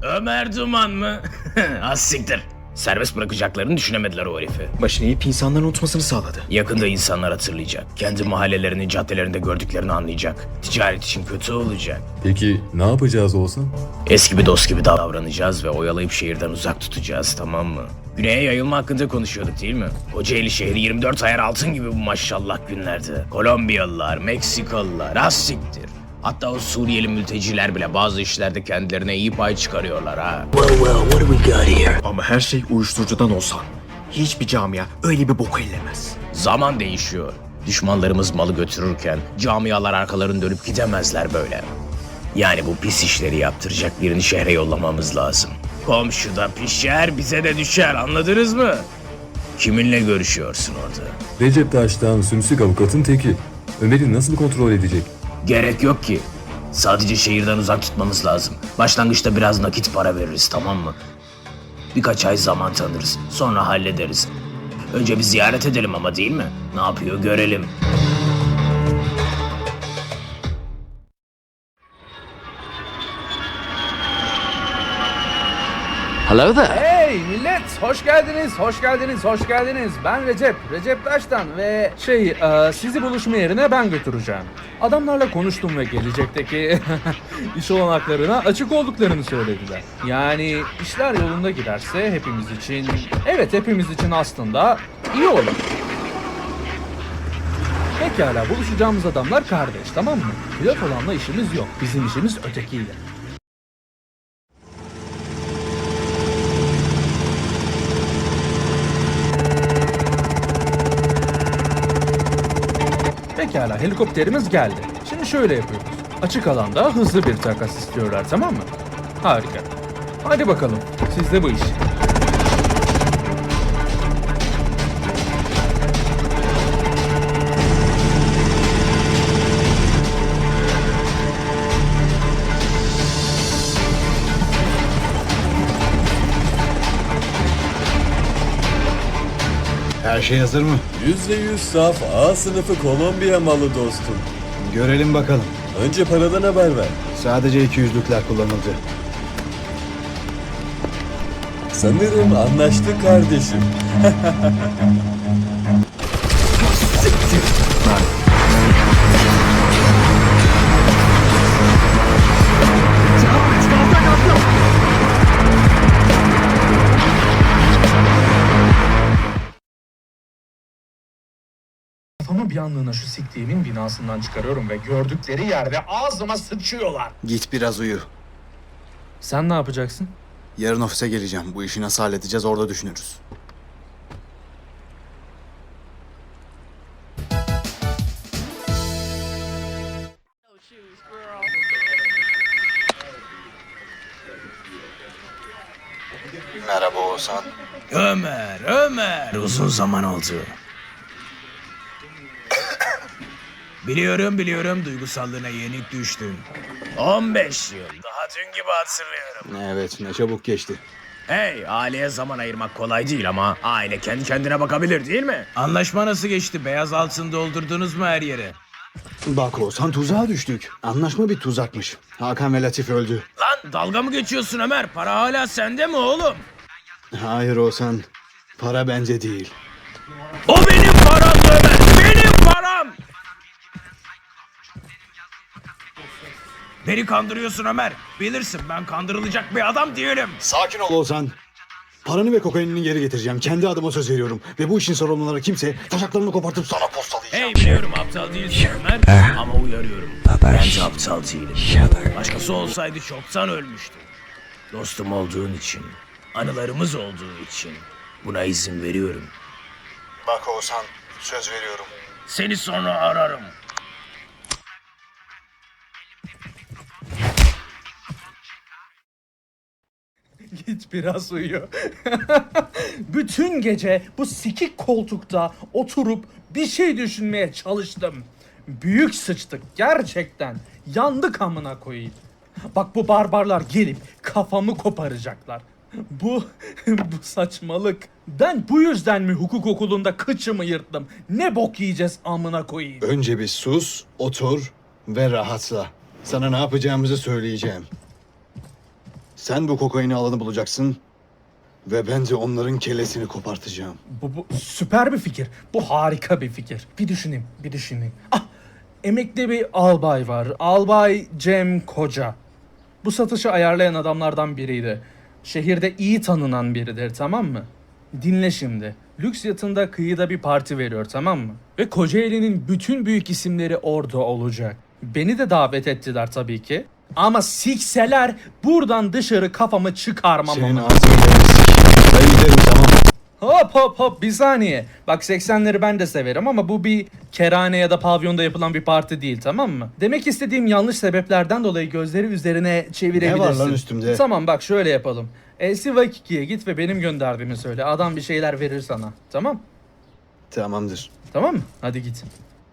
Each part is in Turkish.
Ömer Duman mı? Az siktir. Serbest bırakacaklarını düşünemediler o herifi. Başını eğip insanların unutmasını sağladı. Yakında insanlar hatırlayacak. Kendi mahallelerinin caddelerinde gördüklerini anlayacak. Ticaret için kötü olacak. Peki ne yapacağız Oğuzhan? Eski bir dost gibi davranacağız ve oyalayıp şehirden uzak tutacağız, tamam mı? Güney'e yayılma hakkında konuşuyorduk değil mi? Kocaeli şehri 24 ayar altın gibi bu maşallah günlerde. Kolombiyalılar, Meksikalılar, az siktir. Hatta o Suriyeli mülteciler bile bazı işlerde kendilerine iyi pay çıkarıyorlar ha. Ama her şey uyuşturucudan olsa hiçbir camia öyle bir boku ellemez. Zaman değişiyor. Düşmanlarımız malı götürürken camialar arkalarını dönüp gidemezler böyle. Yani bu pis işleri yaptıracak birini şehre yollamamız lazım. Komşuda pişer, bize de düşer, anladınız mı? Kiminle görüşüyorsun orada? Recep Taş'tan sümsük avukatın teki. Ömer'i nasıl kontrol edecek? Gerek yok ki. Sadece şehirden uzak tutmamız lazım. Başlangıçta biraz nakit para veririz, tamam mı? Birkaç ay zaman tanırız. Sonra hallederiz. Önce bir ziyaret edelim ama, değil mi? Ne yapıyor görelim. Hello there. Hey millet, hoş geldiniz, hoş geldiniz, hoş geldiniz. Ben Recep Taş'tan ve sizi buluşma yerine ben götüreceğim. Adamlarla konuştum ve gelecekteki iş olanaklarına açık olduklarını söylediler. Yani işler yolunda giderse hepimiz için aslında iyi olur. Pekala, buluşacağımız adamlar kardeş, tamam mı? Pilot olanla işimiz yok, bizim işimiz ötekiyle. Pekala, helikopterimiz geldi. Şimdi şöyle yapıyoruz. Açık alanda hızlı bir takas istiyorlar, tamam mı? Harika. Hadi bakalım, sizde bu iş. Her şey hazır mı? %100 saf A sınıfı Kolombiya malı dostum. Görelim bakalım. Önce paradan haber ver. Sadece 200'lükler kullanıldı. Sanırım anlaştık kardeşim. Kafamı bir anlığına şu siktiğimin binasından çıkarıyorum ve gördükleri yerde ağzıma sıçıyorlar. Git biraz uyu. Sen ne yapacaksın? Yarın ofise geleceğim. Bu işi nasıl halledeceğiz orada düşünürüz. Merhaba Oğuzhan. Ömer, uzun zaman oldu. Biliyorum, duygusallığına yenik düştün. 15 yıl, daha dün gibi hatırlıyorum. Evet, ne çabuk geçti. Hey, aileye zaman ayırmak kolay değil ama aile kendi kendine bakabilir, değil mi? Anlaşma nasıl geçti? Beyaz altın doldurdunuz mu her yere? Bak Oğuzhan, tuzağa düştük. Anlaşma bir tuzakmış. Hakan ve Latif öldü. Lan dalga mı geçiyorsun Ömer? Para hala sende mi oğlum? Hayır Oğuzhan, para bence değil. O benim param Ömer, benim param! Beni kandırıyorsun Ömer. Bilirsin, ben kandırılacak bir adam değilim. Sakin ol Oğuzhan. Paranı ve kokainini geri getireceğim. Kendi adıma söz veriyorum. Ve bu işin sorumluları kimse taşaklarını kopartıp sana postalayacağım. Hey, biliyorum aptal değilsin Ömer ama uyarıyorum. Ben de aptal değilim. Başkası olsaydı çoktan ölmüştü. Dostum olduğun için, anılarımız olduğu için buna izin veriyorum. Bak Oğuzhan, söz veriyorum. Seni sonra ararım. Git biraz uyu. Bütün gece bu sikik koltukta oturup bir şey düşünmeye çalıştım. Büyük sıçtık gerçekten. Yandık amına koyayım. Bak, bu barbarlar gelip kafamı koparacaklar. Bu saçmalık. Ben bu yüzden mi hukuk okulunda kıçımı yırttım? Ne bok yiyeceğiz amına koyayım. Önce bir sus, otur ve rahatla. Sana ne yapacağımızı söyleyeceğim. Sen bu kokaini alanı bulacaksın ve ben de onların kellesini kopartacağım. Bu süper bir fikir. Bu harika bir fikir. Bir düşüneyim. Ah, emekli bir albay var. Albay Cem Koca. Bu satışı ayarlayan adamlardan biriydi. Şehirde iyi tanınan biridir, tamam mı? Dinle şimdi. Lüks yatında kıyıda bir parti veriyor, tamam mı? Ve Kocaeli'nin bütün büyük isimleri orada olacak. Beni de davet ettiler tabii ki. Ama sikseler buradan dışarı kafamı çıkarmam. Senin ama. ağzını ben giderim, tamam. Hop bir saniye. Bak 80'leri ben de severim ama bu bir kerhane ya da pavyonda yapılan bir parti değil, tamam mı? Demek istediğim yanlış sebeplerden dolayı gözleri üzerine çevirebilirsin. Ne var lan üstümde? Tamam bak şöyle yapalım. Elsivakiki'ye git ve benim gönderdiğimi söyle. Adam bir şeyler verir sana. Tamam? Tamamdır. Tamam mı? Hadi git.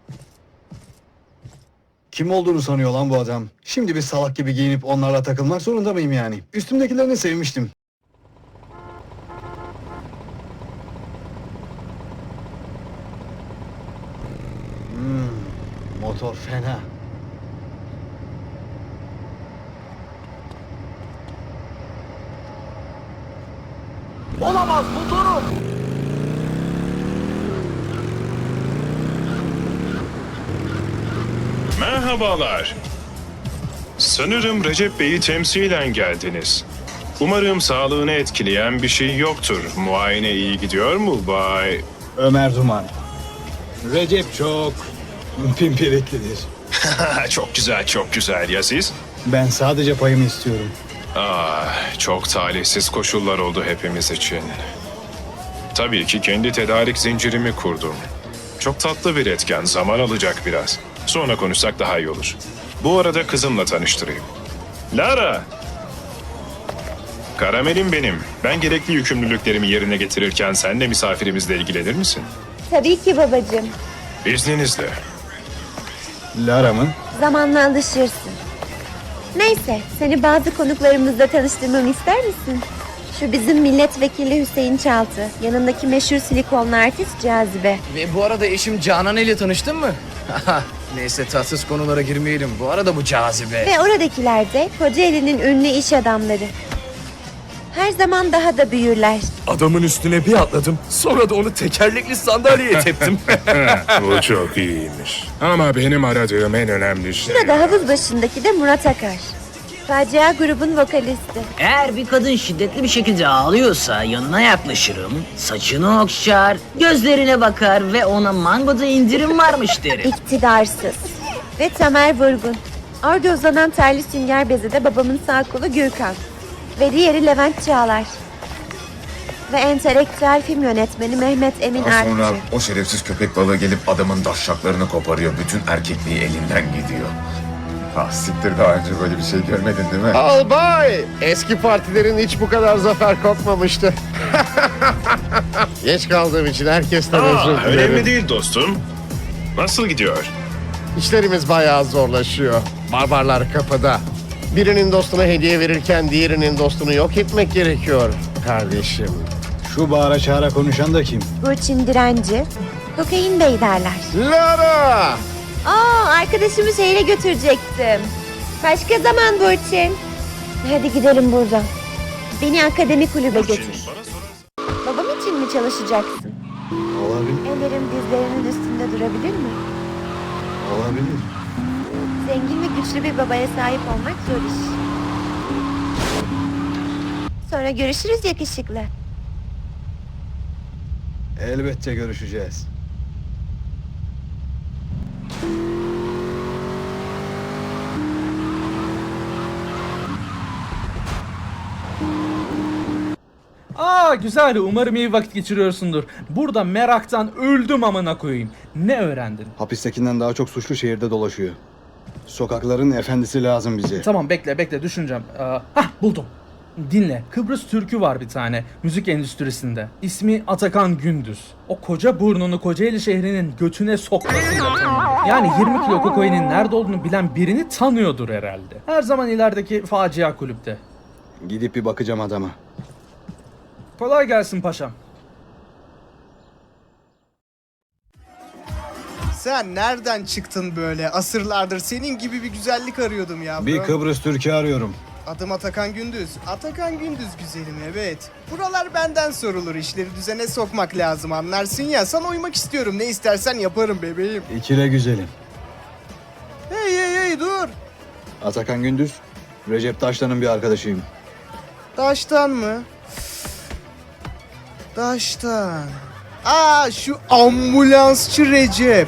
Kim olduğunu sanıyor lan bu adam? Şimdi bir salak gibi giyinip onlarla takılmak zorunda mıyım yani? Üstümdekilerini sevmiştim. Motor fena. Olamaz motorum. Merhabalar. Sanırım Recep Bey'i temsilen geldiniz. Umarım sağlığını etkileyen bir şey yoktur. Muayene iyi gidiyor mu Bay? Ömer Duman. Recep çok pimpiriklidir. Çok güzel, çok güzel. Ya siz? Ben sadece payımı istiyorum. Çok talihsiz koşullar oldu hepimiz için. Tabii ki kendi tedarik zincirimi kurdum. Çok tatlı bir etken, zaman alacak biraz. Sonra konuşsak daha iyi olur. Bu arada kızımla tanıştırayım. Lara! Karamelim benim. Ben gerekli yükümlülüklerimi yerine getirirken sen de misafirimizle ilgilenir misin? Tabii ki babacığım. İzninizle. Lara mı? Zamanla alışırsın. Neyse, seni bazı konuklarımızla tanıştırmamı ister misin? Şu bizim milletvekili Hüseyin Çaltı, yanındaki meşhur silikonlu artist Cazibe. Ve bu arada eşim Canan ile tanıştın mı? Neyse tatsız konulara girmeyelim. Bu arada bu Cazibe. Ve oradakiler de Kocaeli'nin ünlü iş adamları. Her zaman daha da büyürler. Adamın üstüne bir atladım. Sonra da onu tekerlekli sandalyeye teptim. Bu çok iyiymiş. Ama benim aradığım en önemli şey... Burada havuz başındaki de Murat Akar. Facia grubun vokalisti. Eğer bir kadın şiddetli bir şekilde ağlıyorsa yanına yaklaşırım, saçını okşar, gözlerine bakar ve ona mangoda indirim varmış derim. İktidarsız. Ve Tamer Vurgun. Orada uzanan terli sünger bezi de babamın sağ kolu Gürkan. Ve diğeri Levent Çağlar. Ve entelektüel film yönetmeni Mehmet Emin Daha sonra Artçı. o şerefsiz köpek balığı gelip adamın daşşaklarını koparıyor. Bütün erkekliği elinden gidiyor. Ah siktir, daha önce böyle bir şey görmedin değil mi? Albay! Eski partilerin hiç bu kadar zafer kopmamıştı. Geç kaldığım için herkesten özür dilerim. Önemli değil dostum. Nasıl gidiyor? İşlerimiz bayağı zorlaşıyor. Barbarlar kapıda. Birinin dostuna hediye verirken diğerinin dostunu yok etmek gerekiyor kardeşim. Şu bağıra çağıra konuşan da kim? Burçin Direnci. Kokain Bey derler. Lara! Arkadaşımı şehre götürecektim. Başka zaman Burçin. Hadi gidelim buradan. Beni akademi kulübe götür. Babam için mi çalışacaksın? Olabilir. Ellerim dizlerinin üstünde durabilir mi? Olabilir. Zengin ve güçlü bir babaya sahip olmak zor iş. Sonra görüşürüz yakışıklı. Elbette görüşeceğiz. Güzel. Umarım iyi vakit geçiriyorsundur. Burada meraktan öldüm amına koyayım. Ne öğrendin? Hapistekinden daha çok suçlu şehirde dolaşıyor. Sokakların efendisi lazım bize. Tamam bekle düşüneceğim. Buldum. Dinle. Kıbrıs Türk'ü var bir tane müzik endüstrisinde. İsmi Atakan Gündüz. O koca burnunu Kocaeli şehrinin götüne sokmasıyla tanınıyor. Yani 20 kilo kokainin nerede olduğunu bilen birini tanıyordur herhalde. Her zaman ilerideki facia kulüpte. Gidip bir bakacağım adama. Kolay gelsin paşam. Sen nereden çıktın böyle? Asırlardır senin gibi bir güzellik arıyordum ya. Bir Kıbrıs Türk'ü arıyorum. Adım Atakan Gündüz. Atakan Gündüz güzelim, evet. Buralar benden sorulur. İşleri düzene sokmak lazım, anlarsın ya. Sana uymak istiyorum. Ne istersen yaparım bebeğim. İkile güzelim. Hey dur. Atakan Gündüz, Recep Taşlan'ın bir arkadaşıyım. Taştan mı? Taştan. Aa, şu ambulansçı Recep.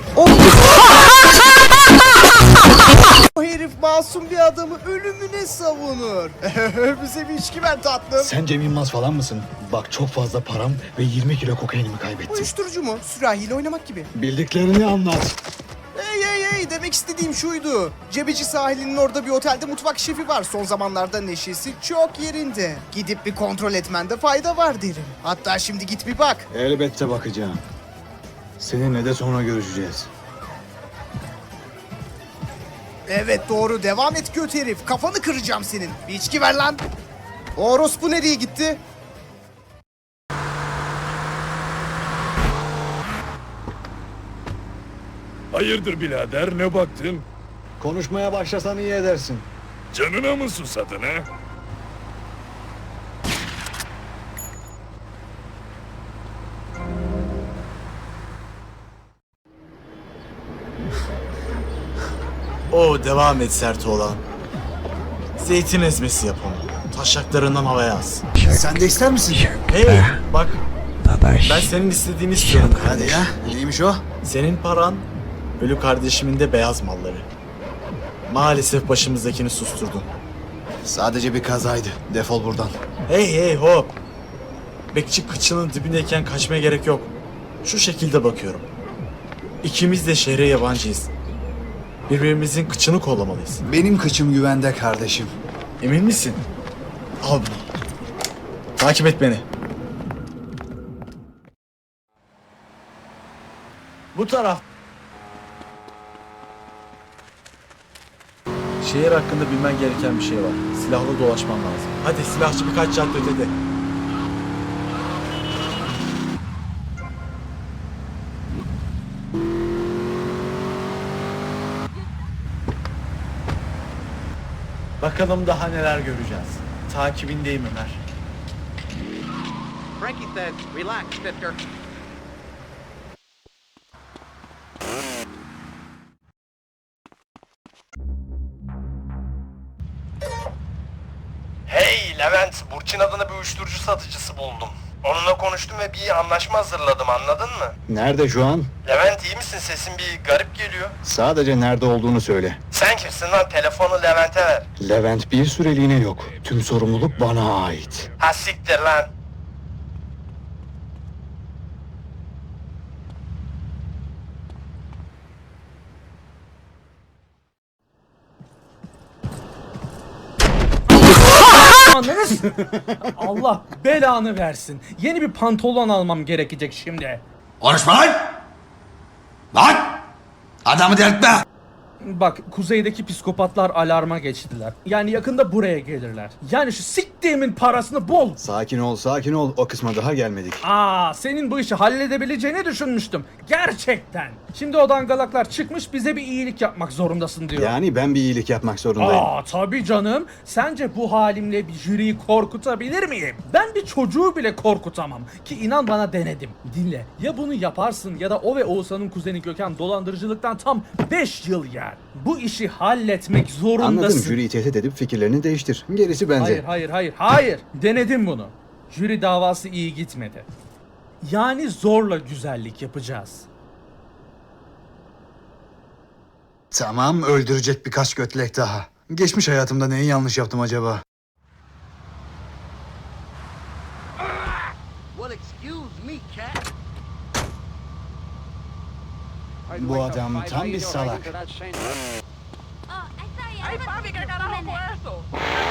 O herif masum bir adamı ölümüne savunur. Bize bir içki ver tatlım. Sen Cem Yılmaz falan mısın? Bak çok fazla param ve 20 kilo kokainimi kaybettim. Uyuşturucu mu? Sürahiyle oynamak gibi. Bildiklerini anlat. Hey, demek istediğim şuydu. Cebeci sahilinin orada bir otelde mutfak şefi var. Son zamanlarda neşesi çok yerinde. Gidip bir kontrol etmende fayda var derim. Hatta şimdi git bir bak. Elbette bakacağım. Seninle de sonra görüşeceğiz. Evet doğru, devam et göt herif. Kafanı kıracağım senin. Bir içki ver lan. O orospu nereye gitti? Hayırdır birader, ne baktın? Konuşmaya başlasan iyi edersin. Canına mı susadın ha? Devam et sert oğlan. Zeytin ezmesi yap onu. Taşaklarından havaya as. Sen de ister misin? Hey bak. Ben senin istediğini istiyorum kardeş. Hadi ya. Neymiş o? Senin paran, ölü kardeşimin de beyaz malları. Maalesef başımızdakini susturdun. Sadece bir kazaydı. Defol buradan. Hey hop. Bekçi kıçının dibindeyken kaçmaya gerek yok. Şu şekilde bakıyorum. İkimiz de şehre yabancıyız. Birbirimizin kıçını kollamalıyız. Benim kıçım güvende kardeşim. Emin misin? Al bunu. Takip et beni. Bu taraf. Şehir hakkında bilmen gereken bir şey var. Silahlı dolaşman lazım. Hadi silahçı birkaç cadde ötede. Bakalım daha neler göreceğiz. Takibindeyim Ömer. Frankie says, relax, mister. Hey Levent, Burçin adına bir uyuşturucu satıcısı buldum. Onunla konuştum ve bir anlaşma hazırladım, anladın mı? Nerede şu an? Levent iyi misin? Sesin bir garip geliyor. Sadece nerede olduğunu söyle. Sen kimsin lan? Telefonu Levent'e ver. Levent bir süreliğine yok. Tüm sorumluluk bana ait. Ha siktir lan. Anladınız? Allah belanı versin. Yeni bir pantolon almam gerekecek şimdi. Konuşma lan! Lan! Adamı delirtme! Bak kuzeydeki psikopatlar alarma geçtiler. Yani yakında buraya gelirler. Yani şu siktiğimin parasını bul. Sakin ol, sakin ol. O kısma daha gelmedik. Senin bu işi halledebileceğini düşünmüştüm. Gerçekten. Şimdi o dangalaklar çıkmış bize bir iyilik yapmak zorundasın diyor. Yani ben bir iyilik yapmak zorundayım. Tabii canım. Sence bu halimle bir jüriyi korkutabilir miyim? Ben bir çocuğu bile korkutamam. Ki inan bana denedim. Dinle. Ya bunu yaparsın ya da o ve Oğuzhan'ın kuzeni Gökhan dolandırıcılıktan tam 5 yıl yer. Bu işi halletmek zorundasın. Anladım. Jüriyi tehdit edip fikirlerini değiştir. Gerisi bende. Hayır. Denedim bunu. Jüri davası iyi gitmedi. Yani zorla güzellik yapacağız. Tamam, öldürecek birkaç götlek daha. Geçmiş hayatımda neyi yanlış yaptım acaba? Well, excuse me, cat. Bu adam tam bir salak. Hey, Bobby, I got a whole asshole.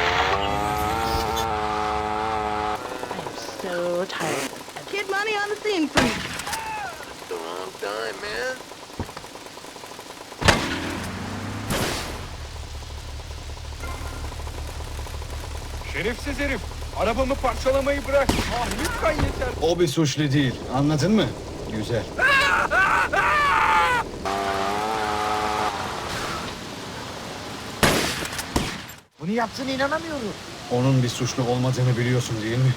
So tired. Kid money on the scene for me. The wrong time, man. Şerefsiz herif, arabamı parçalamayı bırak. Lütfen yeter. O bir suçlu değil. Anladın mı? Güzel. Bunu yaptığına inanamıyorum. Onun bir suçlu olmadığını biliyorsun değil mi?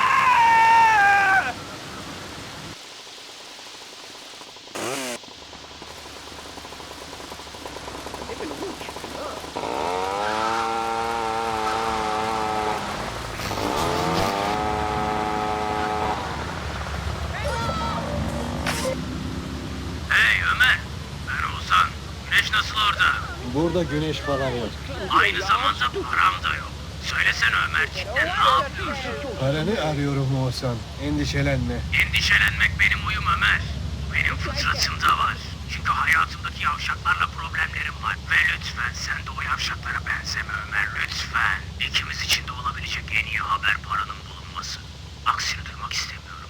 Hey Ömer, ben Oğuzhan. Güneş nasıl orada? Burada güneş falan yok. Aynı zamanda param da yok. Söylesene Ömer, cidden ne yapıyorsun? Paranı arıyorum Oğuzhan. Endişelenme. Endişelenmek benim huyum Ömer. Bu benim fıtratımda var. Çünkü hayatımdaki yavşaklarla problemlerim var. Ve lütfen sen de o yavşaklara benzeme Ömer, lütfen. İkimiz için de olabilecek en iyi haber paranın bulunması. Aksini duymak istemiyorum.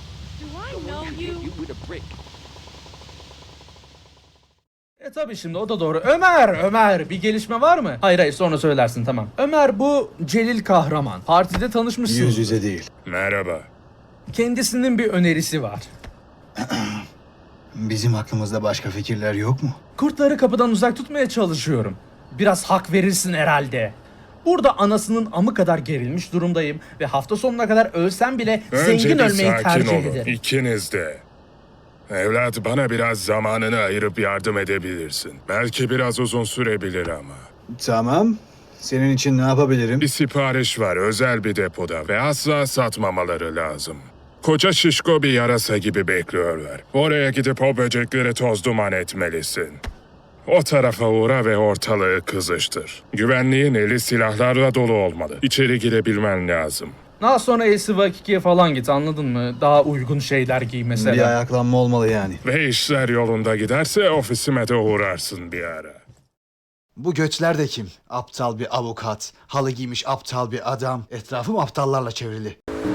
Tabii şimdi o da doğru. Ömer bir gelişme var mı? Hayır sonra söylersin tamam. Ömer bu Celil kahraman. Partide tanışmışsın. Yüz yüze değil. Merhaba. Kendisinin bir önerisi var. Bizim aklımızda başka fikirler yok mu? Kurtları kapıdan uzak tutmaya çalışıyorum. Biraz hak verirsin herhalde. Burada anasının amı kadar gerilmiş durumdayım ve hafta sonuna kadar ölsem bile zengin ölmeyi tercih ederim. İkiniz de. Evlat, bana biraz zamanını ayırıp yardım edebilirsin. Belki biraz uzun sürebilir ama. Tamam. Senin için ne yapabilirim? Bir sipariş var özel bir depoda ve asla satmamaları lazım. Koca şişko bir yarasa gibi bekliyorlar. Oraya gidip o böcekleri toz duman etmelisin. O tarafa uğra ve ortalığı kızıştır. Güvenliğin eli silahlarla dolu olmalı. İçeri girebilmen lazım. Daha sonra LCV2'ye falan git anladın mı? Daha uygun şeyler giy mesela. Bir ayaklanma olmalı yani. Ve işler yolunda giderse ofisime de uğrarsın bir ara. Bu göçler de kim? Aptal bir avukat, halı giymiş aptal bir adam. Etrafım aptallarla çevrili.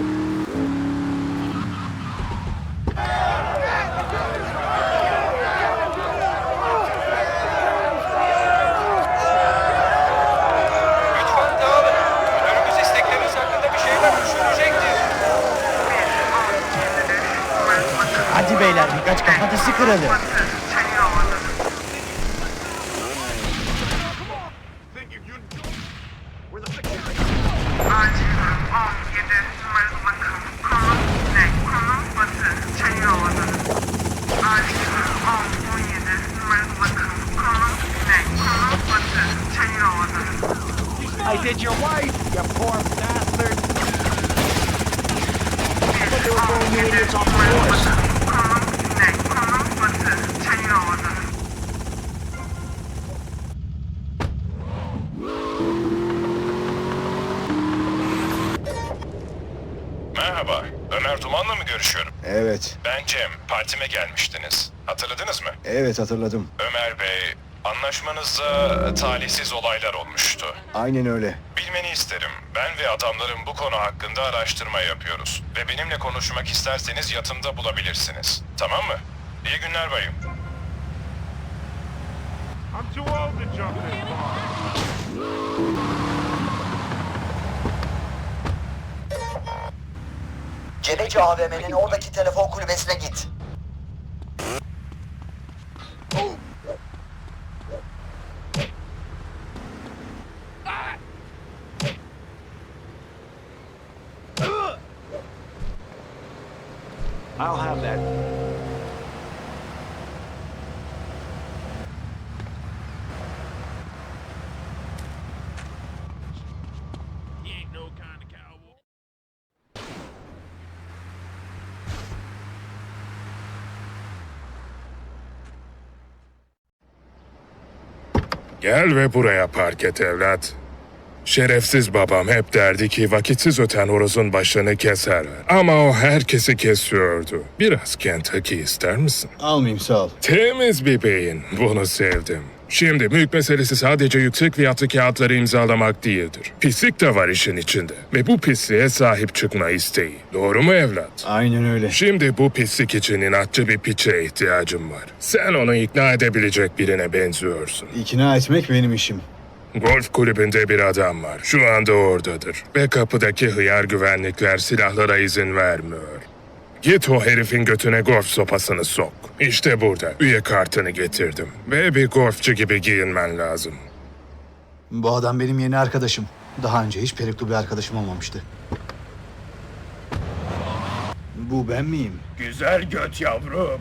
Hadi beyler birkaç kafatası kıralım. I did your wife, you poor bastard. I thought they were throwing you idiots off the horse. Merhaba, Ömer Duman'la mı görüşüyorum? Evet, Ben Cem, partime gelmiştiniz. Hatırladınız mı? evet hatırladım. Ömer Bey, anlaşmanızda talihsiz olaylar olmuştu. Aynen öyle. Bilmeni isterim. Ben ve adamlarım bu konu hakkında araştırma yapıyoruz. Ve benimle konuşmak isterseniz yatımda bulabilirsiniz. Tamam mı? İyi günler bayım. Cebeci AVM'nin oradaki telefon kulübesine git. I'll have that. Gel ve buraya park et evlat. Şerefsiz babam hep derdi ki vakitsiz öten horozun başını keserler. Ama o herkesi kesiyordu. Biraz Kentucky ister misin? Almayayım sağ ol. Temiz bir beyin. Bunu sevdim. Şimdi mülk meselesi sadece yüksek fiyatlı kağıtları imzalamak değildir. Pislik de var işin içinde. Ve bu pisliğe sahip çıkma isteği. Doğru mu evlat? Aynen öyle. Şimdi bu pislik için inatçı bir piçe ihtiyacım var. Sen onu ikna edebilecek birine benziyorsun. İkna etmek benim işim. Golf kulübünde bir adam var. Şu anda oradadır. Ve kapıdaki hıyar güvenlikler silahlara izin vermiyor. Git o herifin götüne golf sopasını sok. İşte burada üye kartını getirdim. Ve bir golfçu gibi giyinmen lazım. Bu adam benim yeni arkadaşım. Daha önce hiç peruklu bir arkadaşım olmamıştı. Bu ben miyim? Güzel göt yavrum.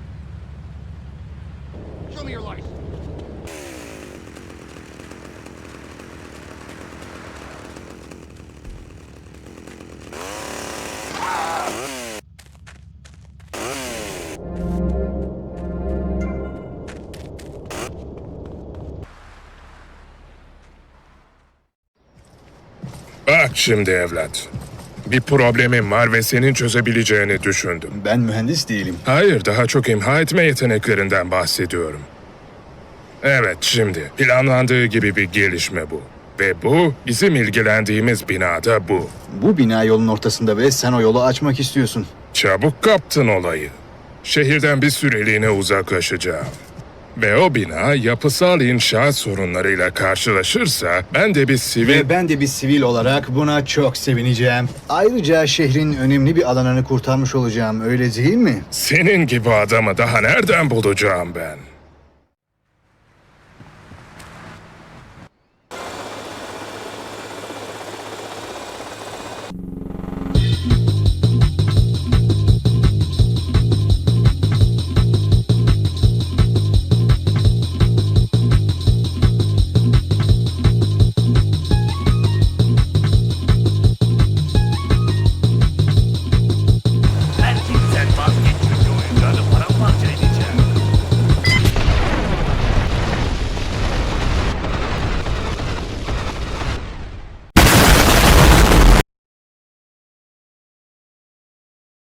Bak şimdi evlat. Bir problemim var ve senin çözebileceğini düşündüm. Ben mühendis değilim. Hayır, daha çok imha etme yeteneklerinden bahsediyorum. Evet, şimdi planlandığı gibi bir gelişme bu. Ve bu, bizim ilgilendiğimiz binada bu. Bu bina yolun ortasında ve sen o yolu açmak istiyorsun. Çabuk kaptın olayı. Şehirden bir süreliğine uzaklaşacağım. Ve o bina yapısal inşaat sorunlarıyla karşılaşırsa ben de bir sivil... Ve ben de bir sivil olarak buna çok sevineceğim. Ayrıca şehrin önemli bir alanını kurtarmış olacağım, öyle değil mi? Senin gibi adamı daha nereden bulacağım ben? Belki sen vazgeç çünkü oyuncağını paramparça edecek.